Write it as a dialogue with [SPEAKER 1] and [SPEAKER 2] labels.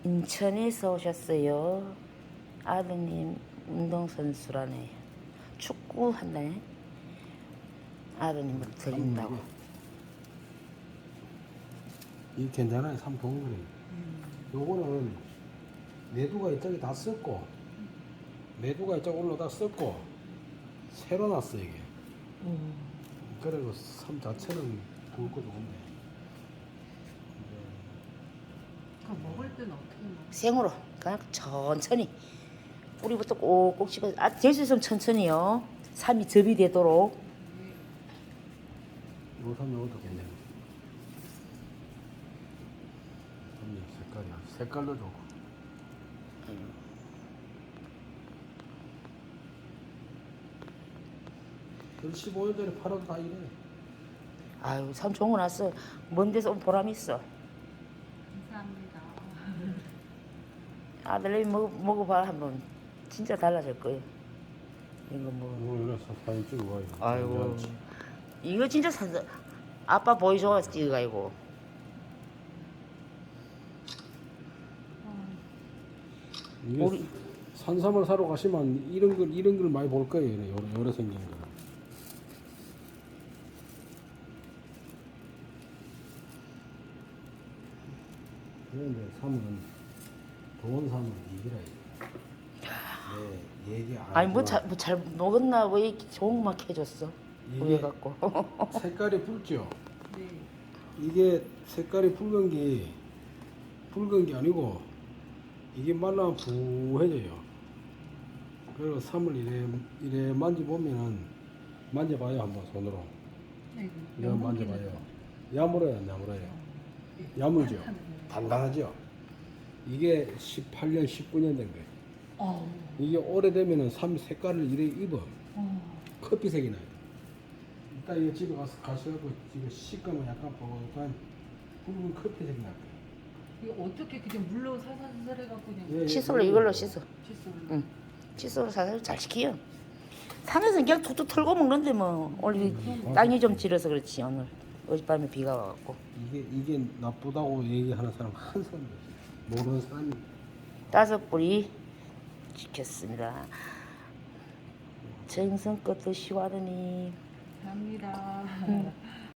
[SPEAKER 1] 인천에서 오셨어요. 아드님 운동선수라네. 축구 한다네. 아드님을 드린다고.
[SPEAKER 2] 이 괜찮아요. 참 좋은 거예요. 요거는 내두가 이쪽에 다 썼고 내두가 이쪽 올라다 썼고 새로 났어 이게. 그리고 삶 자체는 굵고 좋은데.
[SPEAKER 3] 그럼 먹을 때는 어떻게 먹어?
[SPEAKER 1] 생으로 그냥 천천히 뿌리부터 꼭꼭 씹어. 될 수 있으면 천천히요. 삶이 접이 되도록.
[SPEAKER 2] 요삼 요것도 괜찮아. 색깔도 좋고. 그 15년 전에 팔아도 다 이래.
[SPEAKER 1] 아유 참 좋은 거 났어. 먼 데서 온 보람 있어.
[SPEAKER 3] 감사합니다.
[SPEAKER 1] 아들내미 먹어봐 한번. 진짜 달라질 거예요. 이거 뭐.
[SPEAKER 2] 이거 사진 찍어 가지고.
[SPEAKER 1] 아이고 이거 진짜 아빠 보여줘 찍어가지고.
[SPEAKER 2] 이게
[SPEAKER 1] 우리-
[SPEAKER 2] 산삼을 사러 가시면 이런 걸 많이 볼 거예요. 요래 생긴 거. 그런데 삼은 좋은 삼은 이기라. 네, 얘기 안.
[SPEAKER 1] 아니 뭐 잘 먹었나 왜 이렇게 좋은 거 막 해줬어.
[SPEAKER 2] 이게-
[SPEAKER 1] 우유 갖고.
[SPEAKER 2] 색깔이 붉죠.
[SPEAKER 3] 네.
[SPEAKER 2] 이게 색깔이 붉은 게 아니고 이게 말라면 부해져요. 그리고 삼을 이래 만져보면은 만져봐요 한번 손으로.
[SPEAKER 3] 네.
[SPEAKER 2] 이거 만져봐요. 야물어요, 안 야물어요? 야물죠. 단단하죠. 이게 18년, 19년 된 거예요. 이게 오래되면은 삼 색깔을 이래 입어. 커피색이 나요. 이따 이거 집에 가셔갖고 이거 씻으면 약간 뽀얀 붉은 커피색이 날 거예요.
[SPEAKER 3] 이거 어떻게 그냥 물로 살살살 해갖고 그냥
[SPEAKER 2] 예, 예,
[SPEAKER 1] 칫솔로 이걸로 씻어.
[SPEAKER 3] 칫솔로.
[SPEAKER 1] 응. 칫솔로 살살 잘 시키요. 산에서 그냥 툭툭 털고 먹는데 뭐 오늘 땅이 좀 질어서 그렇지 오늘 어젯밤에 비가 와갖고.
[SPEAKER 2] 이게 나쁘다고 얘기하는 사람 한 사람도 없어요. 모르는 사람이.
[SPEAKER 1] 5뿌리 지켰습니다. 정성껏 드시고 하더니
[SPEAKER 3] 감사합니다.